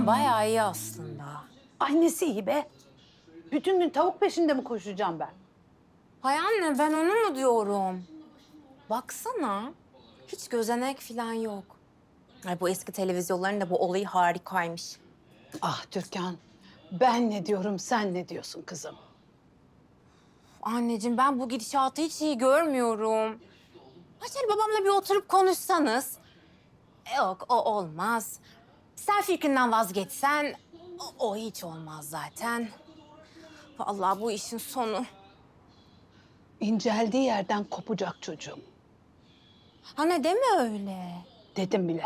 Babam bayağı iyi aslında. Annesi iyi be. Bütün gün tavuk peşinde mi koşacağım ben? Hay anne ben onu mu diyorum? Baksana. Hiç gözenek falan yok. Ay bu eski televizyonların da bu olayı harikaymış. Ah Türkan, ben ne diyorum sen ne diyorsun kızım? Anneciğim ben bu gidişatı hiç iyi görmüyorum. Ha şöyle babamla bir oturup konuşsanız. Yok o olmaz. Sen fikrinden vazgeçsen o hiç olmaz zaten. Vallahi bu işin sonu. İnceldiği yerden kopacak çocuğum. Anne deme öyle. Dedim bile.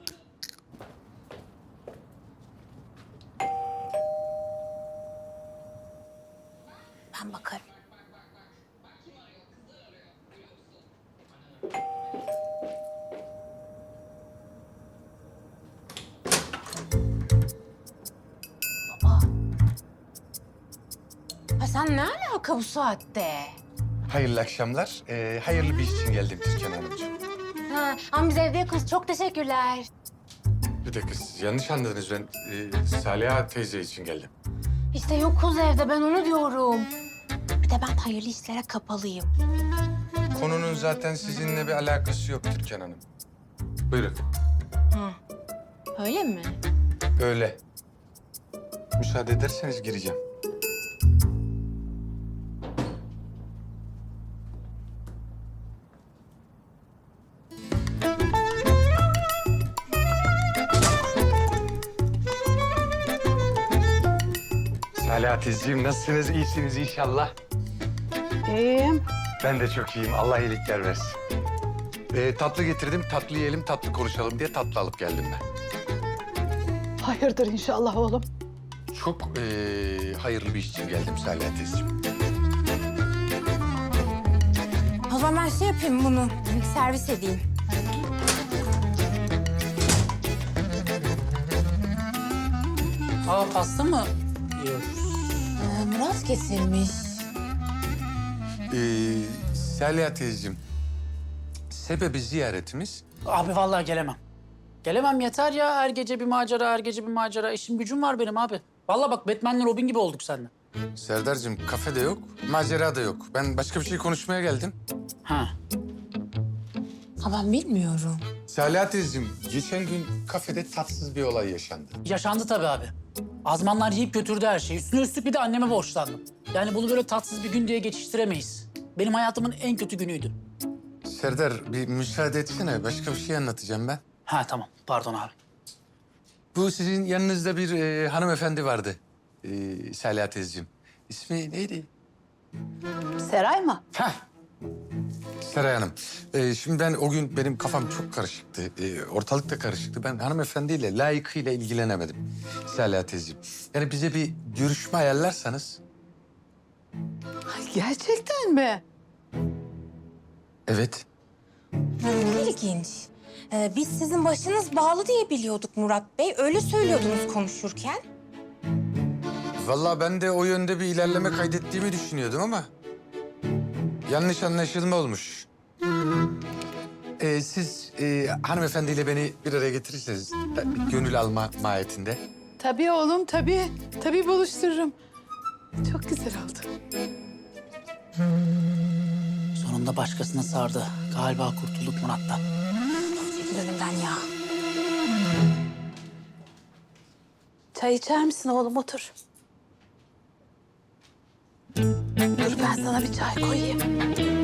Ben bakarım. Baba. Ha sen ne alaka bu saatte? Hayırlı akşamlar. Hayırlı bir iş için geldim Türkan Hanımcığım. Ha, ama biz evde yakınız. Çok teşekkürler. Bir dakika siz yanlış anladınız. Ben Saliha teyze için geldim. İşte yokuz evde. Ben onu diyorum. Bir de ben hayırlı işlere kapalıyım. Konunun zaten sizinle bir alakası yok Türkan Hanım. Buyurun. Öyle mi? Öyle. Müsaade ederseniz gireceğim. Saliha teyzeciğim nasılsınız? İyisiniz inşallah. İyiyim. Ben de çok iyiyim. Allah iyilikler versin. Tatlı getirdim. Tatlı yiyelim, tatlı konuşalım diye tatlı alıp geldim ben. Hayırdır inşallah oğlum. Çok hayırlı bir iş için geldim Saliha teyzeciğim. O zaman ben şey yapayım bunu. Servis edeyim. Aa pasta mı yiyoruz? Murat getirmiş. Saliha teyzeciğim, sebebi ziyaretimiz... Abi vallahi gelemem. Gelemem yeter ya. Her gece bir macera, her gece bir macera. İşim gücüm var benim abi. Vallahi bak Batman'le Robin gibi olduk seninle. Serdar'cığım kafe de yok, macera da yok. Ben başka bir şey konuşmaya geldim. Ha. Ha ben bilmiyorum. Saliha teyzeciğim, geçen gün kafede tatsız bir olay yaşandı. Yaşandı tabii abi. Azmanlar yiyip götürdü her şeyi. Üstüne üstlük bir de anneme borçlandım. Yani bunu böyle tatsız bir gün diye geçiştiremeyiz. Benim hayatımın en kötü günüydü. Serdar, bir müsaade etsene. Başka bir şey anlatacağım ben. Ha tamam. Pardon abi. Bu sizin yanınızda bir hanımefendi vardı. Saliha teyzeciğim. İsmi neydi? Seray mı? Heh. Seray Hanım. Şimdi ben o gün benim kafam çok karışıktı. Ortalık da karışıktı. Ben hanımefendiyle layıkıyla ilgilenemedim Saliha teyzeciğim. Yani bize bir görüşme ayarlarsanız. Ay, gerçekten mi? Evet. İlginç. Biz sizin başınız bağlı diye biliyorduk Murat Bey. Öyle söylüyordunuz konuşurken. Vallahi ben de o yönde bir ilerleme kaydettiğimi düşünüyordum ama... yanlış anlaşılma olmuş. Siz hanımefendiyle beni bir araya getirirseniz gönül alma mahiyetinde. Tabii oğlum tabii. Tabii buluştururum. Çok güzel oldu. Sonunda başkasına sardı. Galiba kurtulduk Murat'tan. Çekil önümden ya. Çay içer misin oğlum otur. Dur ben sana bir çay koyayım.